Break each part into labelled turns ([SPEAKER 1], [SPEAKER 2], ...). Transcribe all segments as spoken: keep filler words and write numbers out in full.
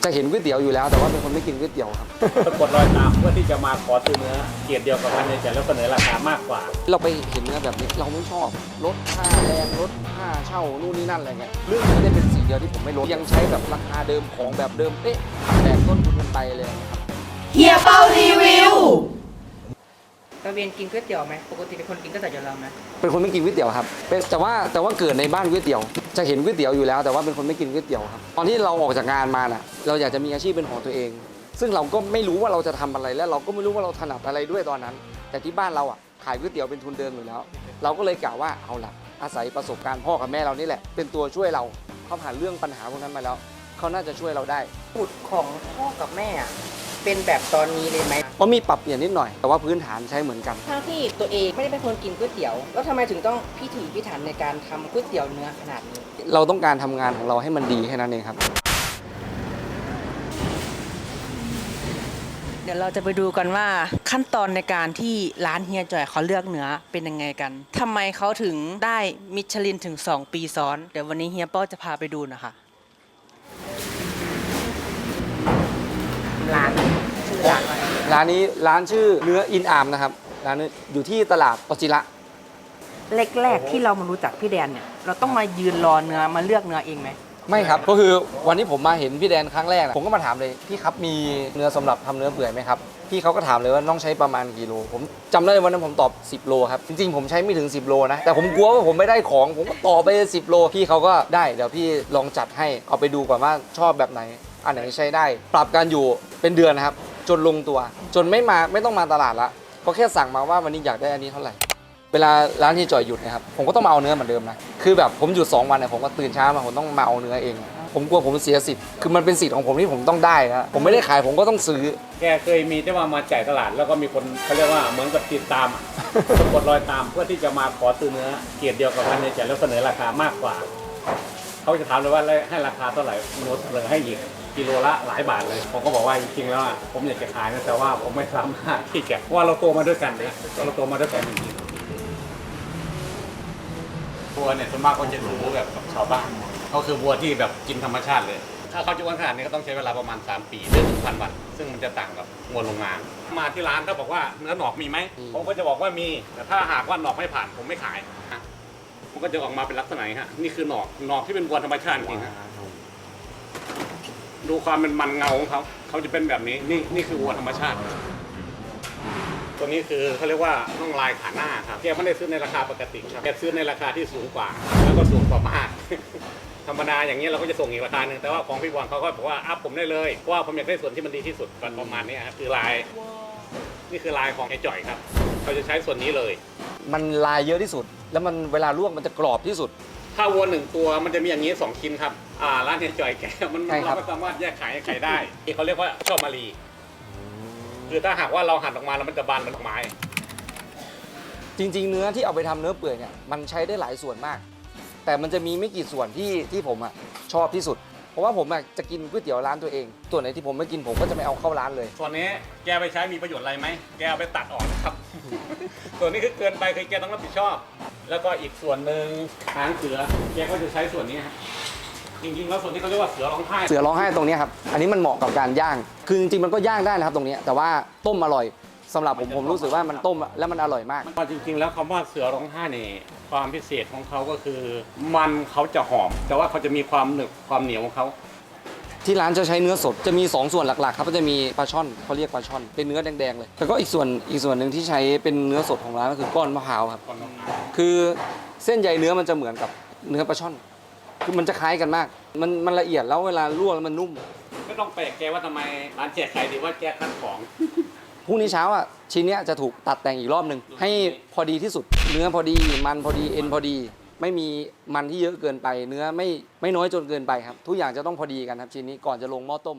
[SPEAKER 1] จะเห็นก๋วยเตี๋ยวอยู่แล้วแต่ว่าเป็นคนไม่กินก๋วยเตี๋ยวครับ
[SPEAKER 2] สะกดรอยตามเพื่อที่จะมาขอซื้อเนื้อเกียรติเดียวกับมันในแต่แล้วเสนอราคามากกว่า
[SPEAKER 1] เราไปเห็นเนื้อแบบนี้เราไม่ชอบลดค่าแรงลดค่าเช่านู่นนี่นั่นอะไรเงี้ยเรื่องนี้ได้เป็นสิ่งเดียวที่ผมไม่ลดยังใช้แบบราคาเดิมของแบบเดิมเป๊ะแบกต้นทุนกันไปเลยครับ
[SPEAKER 3] เฮียเปารีวิว
[SPEAKER 4] ตะเวียนกินก๋วยเตี๋ยวไหมปกติเป็นคนกินก๋วยเตี๋ยวอยู่แล้วไหม
[SPEAKER 1] เป็นคนไม่กินก๋วยเตี๋ยวครับเป็นแต่ว่าแต่ว่าเกิดในบ้านก๋วยเตี๋ยวจะเห็นก๋วยเตี๋ยวอยู่แล้วแต่ว่าเป็นคนไม่กินก๋วยเตี๋ยวครับตอนที่เราออกจากงานมาน่ะเราอยากจะมีอาชีพเป็นของตัวเองซึ่งเราก็ไม่รู้ว่าเราจะทำอะไรและเราก็ไม่รู้ว่าเราถนัดอะไรด้วยตอนนั้น แต่ที่บ้านเราอ่ะขายก๋วยเตี๋ยวเป็นทุนเดิมอยู่แล้วเราก็เลยกล่าวว่าเอาล่ะอาศัยประสบการณ์พ่อกับแม่เรานี่แหละเป็นตัวช่วยเราเขาผ่านเรื่องปัญหาพวกนั้นมาแล้วเขาน่าจะช่วยเราได้
[SPEAKER 4] สูตรของพ่อกับแม่เป็นแบบตอนนี้เลยไหม
[SPEAKER 1] ก็มีปรับเปลี่ยนนิดหน่อยแต่ว่าพื้นฐานใช้เหมือนกัน
[SPEAKER 4] ทั้งที่ตัวเองไม่ได้เป็นคนกินก๋วยเตี๋ยวแล้วทำไมถึงต้องพิถีพิถันในการทำก๋วยเตี๋ยวเนื้อขนาดนี้
[SPEAKER 1] เราต้องการทำงานของเราให้มันดีแค่นั้นเองครับ
[SPEAKER 4] เดี๋ยวเราจะไปดูกันว่าขั้นตอนในการที่ร้านเฮียจ่อยเขาเลือกเนื้อเป็นยังไงกันทำไมเขาถึงได้มิชลินถึงสองปีซ้อนเดี๋ยววันนี้เฮียป้อจะพาไปดูนะคะร้านชื่อร้านอะไร
[SPEAKER 1] ร้านนี้ร้านชื่อเนื้ออินอามนะครับร้านนี้อยู่ที่ตลาดปจิระ
[SPEAKER 4] แรกๆที่เรามารู้จักพี่แดนเนี่ยเราต้องมายืนรอเนื้อมาเลือกเนื้อเองไหม
[SPEAKER 1] ไม่ครับก็คือวันที่ผมมาเห็นพี่แดนครั้งแรกผมก็มาถามเลยพี่ครับมีเนื้อสำหรับทำเนื้อเปื่อยไหมครับพี่เขาก็ถามเลยว่าต้องใช้ประมาณกี่โลผมจำได้วันนั้นผมตอบสิบโลครับจริงๆผมใช้ไม่ถึงสิบโลนะแต่ผมกลัวว่าผมไม่ได้ของผมก็ต่อไปสิบโลพี่เขาก็ได้เดี๋ยวพี่ลองจัดให้เอาไปดูก่อนว่าชอบแบบไหนอันไหนใช้ได้ปรับการอยู่เป็นเดือนนะครับจนลงตัวจนไม่มาไม่ต้องมาตลาดละก็แค่สั่งมาว่าวันนี้อยากได้อันนี้เท่าไหร่เวลาร้านที่จ่อยหยุดนะครับผมก็ต้องมาเอาเนื้อเหมือนเดิมนะคือแบบผมหยุดสองวันเนี่ยผมก็ตื่นเช้ามาผมต้องมาเอาเนื้อเองผมกลัวผมเสียสิทธิ์คือมันเป็นสิทธิ์ของผมที่ผมต้องได้นะผมไม่ได้ขายผมก็ต้องซื้อ
[SPEAKER 2] แกเคยมีที่ว่ามาจ่ายตลาดแล้วก็มีคนเขาเรียกว่าเหมือนกับติดตามสะกดรอยตามเพื่อที่จะมาขอซื้อเนื้อเกียรติเดียวกับมันในจ่ายแล้วเสนอราคามากกว่าเขาจะถามเลยว่าให้ราคาเท่าไหร่โน้ตเสนอให้อีกกิโลละหลายบาทเลยผมก็บอกว่าจริงๆแล้วผมอยากจะขายนะแต่ว่าผมไม่สามารถที่จะเพราะว่าเราโตมาด้วยกันเลยเราโตมาด้วยกันจริงๆวัวเนี่ยส่วนมากเขาจะรู้แบบกับชาวบ้านเขาคือวัวที่แบบกินธรรมชาติเลยถ้าเขาจะอ้วนขนาดนี้ก็ต้องใช้เวลาประมาณสามปีหรือหนึ่งพันวันซึ่งมันจะต่างกับวัวโรงงานมาที่ร้านถ้าบอกว่าเนื้อหนอกมีไหมผมก็จะบอกว่ามีแต่ถ้าหากว่าหนอกไม่ผ่านผมไม่ขายมันก็จะออกมาเป็นลักษณะนี้ฮะนี่คือหนอกหนอกที่เป็นวัวธรรมชาติจริงฮะดูความเป็นมันเงาของเขาเขาจะเป็นแบบนี้นี่นี่คือวัวธรรมชาติตัวนี้คือเขาเรียกว่าน่องลายขาหน้าครับแกไม่ได้ซื้อในราคาปกติครับแกซื้อในราคาที่สูงกว่าแล้วก็สูงกว่ามากธรรมดาอย่างนี้เราก็จะส่งอีกราคาหนึ่งแต่ว่าของพี่บอลเขาก็บอกว่าอัพผมได้เลยเพราะว่าผมอยากได้ส่วนที่มันดีที่สุดประมาณนี้ครับคือลายนี่คือลายของไอ้จ่อยครับเขาจะใช้ส่วนนี้เลย
[SPEAKER 1] มันลายเยอะที่สุดแล้วมันเวลาลวกมันจะกรอบที่สุด
[SPEAKER 2] ถ้าวัวหนึ่งตัวมันจะมีอย่างนี้สองชิ้นครับอ่าร้านไอ้จ่อยแกมันเราไม่สามารถแยกขายให้ใครได้ที่เขาเรียกว่าชอบมารีคือถ้าหากว่าเราหั่นออกมาแล้วมันจะบานเป็นดอกไม้
[SPEAKER 1] จริงๆเนื้อที่เอาไปทำเนื้อเปื่อยเนี่ยมันใช้ได้หลายส่วนมากแต่มันจะมีไม่กี่ส่วนที่ที่ผมอ่ะชอบที่สุดเพราะว่าผมอ่ะจะกินก๋วยเตี๋ยวร้านตัวเองส่วนไหนที่ผมไม่กินผมก็จะไม่เอาเข้าร้านเลย
[SPEAKER 2] ส่วนนี้แกไปใช้มีประโยชน์อะไรไหมแกเอาไปตัดออกนะครับ ส่วนนี้คือเกินไปคือแกต้องรับผิดชอบแล้วก็อีกส่วนหนึ่งหางเสือแกก็จะใช้ส่วนนี้ครับจริงๆแล้วส่วนที่เขาเรียกว่าเสือร้องไห้
[SPEAKER 1] เสือร้องไห้ตรงนี้ครับอันนี้มันเหมาะกับการย่างคือจริงๆมันก็ย่างได้นะครับตรงนี้แต่ว่าต้มอร่อยสำหรับผมผมรู้สึกว่ามันต้มแล้วมันอร่อยมาก
[SPEAKER 2] จริงๆแล้วคำว่าเสือร้องไห้นี่ความพิเศษของเขาก็คือมันเขาจะหอมแต่ว่าเขาจะมีความหนึบความเหนียวของเขา
[SPEAKER 1] ที่ร้านจะใช้เนื้อสดจะมีสองส่วนหลักๆครับก็จะมีปลาช่อนเขาเรียกปลาช่อนเป็นเนื้อแดงๆเลยแล้วก็อีกส่วนอีกส่วนหนึ่งที่ใช้เป็นเนื้อสดของร้านก็คือก้อนมะพร้าวครับคือเส้นใยเนื้อมันจะเหมือนกับเนื้อปลาช่อนคือมันจะคล้ายกันมากมันมันละเอียดแล้วเวลาลวกแล้วมันนุ่ม
[SPEAKER 2] ไม่ต้องแปลกใจว่าทำไมร้านแจกไข่ดีว่าแจกขั้นของ
[SPEAKER 1] พรุ่งนี้เช้าอ่ะชิ้นนี้จะถูกตัดแต่งอีกรอบหนึ่งให้พอดีที่สุดเนื้อพอดีมันพอดีเอ็นพอดีไม่มีมันที่เยอะเกินไปเนื้อไม่ไม่น้อยจนเกินไปครับทุกอย่างจะต้องพอดีกันครับชิ้นนี้ก่อนจะลงหม้อต้ม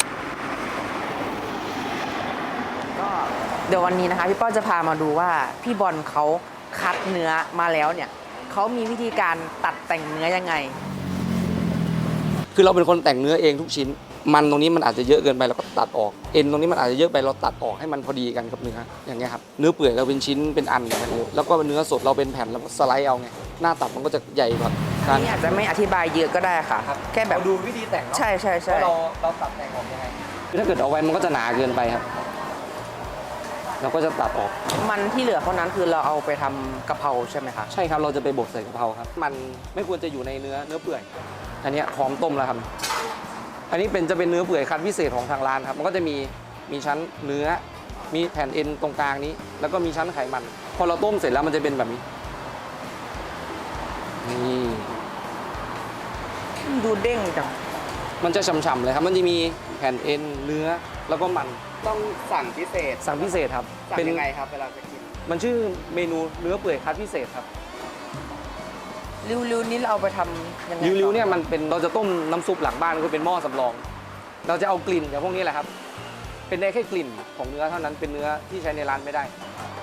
[SPEAKER 4] ก็เดี๋ยววันนี้นะคะพี่ป้อจะพามาดูว่าพี่บอลเขาคัดเนื้อมาแล้วเนี่ยเขามีวิธีการตัดแต่งเนื้อยังไง
[SPEAKER 1] คือเราเป็นคนแต่งเนื้อเองทุกชิ้นมันตรงนี้มันอาจจะเยอะเกินไปเราก็ตัดออกเอ็นตรงนี้มันอาจจะเยอะไปเราตัดออกให้มันพอดีกันกับเนื้ออย่างเงี้ยครับเนื้อเปื่อยเราเป็นชิ้นเป็นอันแล้วก็เนื้อสดเราเป็นแผ่นแล้วก็สไลด์เอาไงหน้าตัดมันก็จะใหญ่กว่าการ
[SPEAKER 4] นี่อาจจะไม่อธิบายเยอะก็ได้ค่ะ แค่แบบ
[SPEAKER 1] เราดูวิธีแต่งเนาะ
[SPEAKER 4] ใช่ใช่ใช่
[SPEAKER 1] ว่าเราเราตัดแต่งออกยังไงคือถ้าเกิดเอาไว้มันก็จะหนาเกินไปครับ เราก็จะตัดออก
[SPEAKER 4] มันที่เหลือเท่านั้นคือเราเอาไปทำกะเพราใช่ไหมคะ
[SPEAKER 1] ใช่ครับเราจะไปบดใส่กะเพราครับ มันไม่ควรจะอยู่ในเนื้อเนื้อเปื่อย อันเนี้ยพร้อมต้มแล้วครับ อันนี้เป็นจะเป็นเนื้อเปื่อยคัดพิเศษของทางร้านครับ มันก็จะมีมีชั้นเนื้อ มีแผ่นเอ็นตรงกลางนี้ แล้วก็มีชั้นไขมัน พอเราต้มเสร็จแล้วมันจะเป็นแบบนี้นี่
[SPEAKER 4] ดูเด้งจัง
[SPEAKER 1] มันจะฉ่ำๆเลยครับ มันจะมีแผ่นเอ็นเนื้อแล้วก็มัน
[SPEAKER 5] ต้องสั่งพิเศษ
[SPEAKER 1] สั่งพิเศษครับ
[SPEAKER 5] สั่ง
[SPEAKER 1] เป็น
[SPEAKER 5] ยังไงครับเวลาจะกิน
[SPEAKER 1] มันชื่อเมนูเนื้อเปื่อยคัดพิเศษครับ
[SPEAKER 4] ริ้วๆนี้เราเอาไปทำยังไง
[SPEAKER 1] ริ้วๆเนี่ยมันเป็นเราจะต้มน้ำซุปหลังบ้านก็เป็นหม้อสำรอง เราจะเอากลิ่นอย่างพวกนี้แหละครับ เป็นได้แค่กลิ่นของเนื้อเท่านั้นเป็นเนื้อที่ใช้ในร้านไม่ได้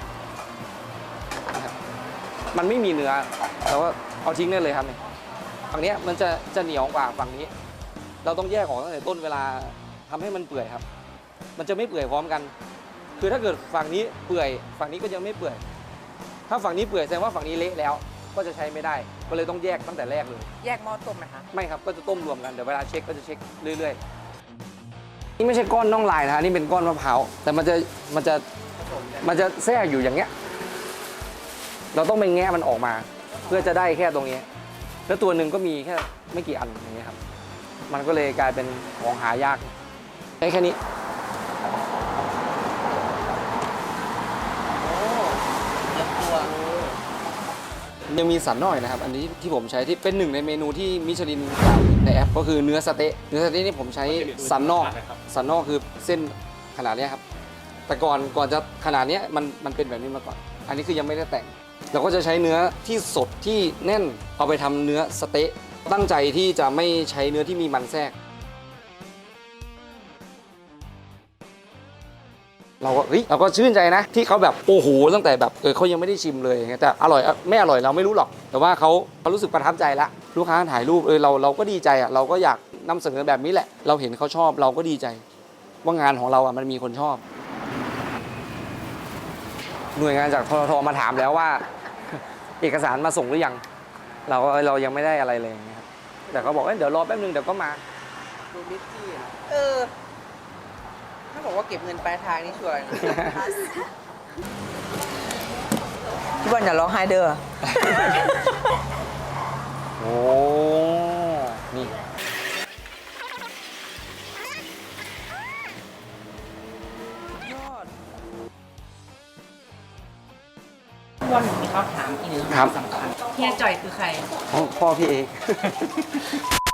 [SPEAKER 1] นะครับมันไม่มีเนื้อเราก็เอาทิ้งได้เลยครับเนี่ยฝั่งเนี้ยมันจะจะเหนียวกว่าฝั่งนี้ เราต้องแยกออกตั้งแต่ต้นเวลาทำให้มันเปื่อยครับ มันจะไม่เปื่อยพร้อมกัน คือถ้าเกิดฝั่งนี้เปื่อยฝั่งนี้ก็ยังไม่เปื่อย ถ้าฝั่งนี้เปื่อยแสดงว่าฝั่งนี้เละแล้ว ก็จะใช้ไม่ได้ ก็เลยต้องแยกตั้งแต่แรกเลย
[SPEAKER 4] แยกหม้อต้มไหมคะ
[SPEAKER 1] ไม่ครับ ก็จะต้มรวมกัน เดี๋ยวเวลาเช็คก็จะเช็คเรื่อยๆ นี่ไม่ใช่ก้อนน่องลายนะฮะนี่เป็นก้อนมะพร้าว แต่มันจะมันจะมันจะแทรกอยู่อย่างเงี้ย เราต้องไปแงะมันออกมา เพื่อจะได้แค่ตรงนี้ แล้วตัวหนึ่งก็มีแค่ไม่กี่อันอย่างเงี้ยครับ มันก็เลยกลายเป็นของหายากได้แค่นี้ ยังมีสันนอกนะครับ อันนี้ที่ผมใช้ที่เป็นหนึ่งในเมนูที่มิชลินกล่าวในแอปก็คือเนื้อสเต๊ะเนื้อสเต๊ะนี่ผมใช้สันนอกสันนอกคือเส้นขนาดเนี้ยครับ แต่ก่อนก่อนจะขนาดเนี้ยมันมันเป็นแบบนี้มาก่อน อันนี้คือยังไม่ได้แต่ง เราก็จะใช้เนื้อที่สดที่แน่นเอาไปทำเนื้อสเต๊ะตั้งใจที่จะไม่ใช้เนื้อที่มีมันแทรก เราก็เฮ้ยเราก็ชื่นใจนะที่เขาแบบโอ้โหตั้งแต่แบบเออเขายังไม่ได้ชิมเลยอย่างเงี้ยแต่อร่อยไม่อร่อยเราไม่รู้หรอก แต่ว่าเขาเขารู้สึกประทับใจละลูกค้าถ่ายรูปเออเราเราก็ดีใจอ่ะเราก็อยากนำเสนอแบบนี้แหละ เราเห็นเขาชอบเราก็ดีใจ ว่างานของเราอ่ะมันมีคนชอบ หน่วยงานจากททมาถามแล้วว่า เอกสารมาส่งหรือยัง เราก็เออเรายังไม่ได้อะไรเลยอย่างเงี้ยครับแต่เขาบอกเอ้ยเดี๋ยวรอแป๊บนึงเดี๋ยวก็มา
[SPEAKER 4] ดูลิซซี่อะเออ ถ้าบอกว่าเก็บเงินปลายทางนี่ชัวร์นะ พี่บอลอย่าร้องไห้เด้อ
[SPEAKER 1] โอ้นี่
[SPEAKER 4] ยอดพี่บอลมีคำถามอีกหนึ่ง
[SPEAKER 1] ครับ
[SPEAKER 4] สำคัญเฮียจ่อยคือใคร
[SPEAKER 1] พ่อพ่อพี่เอก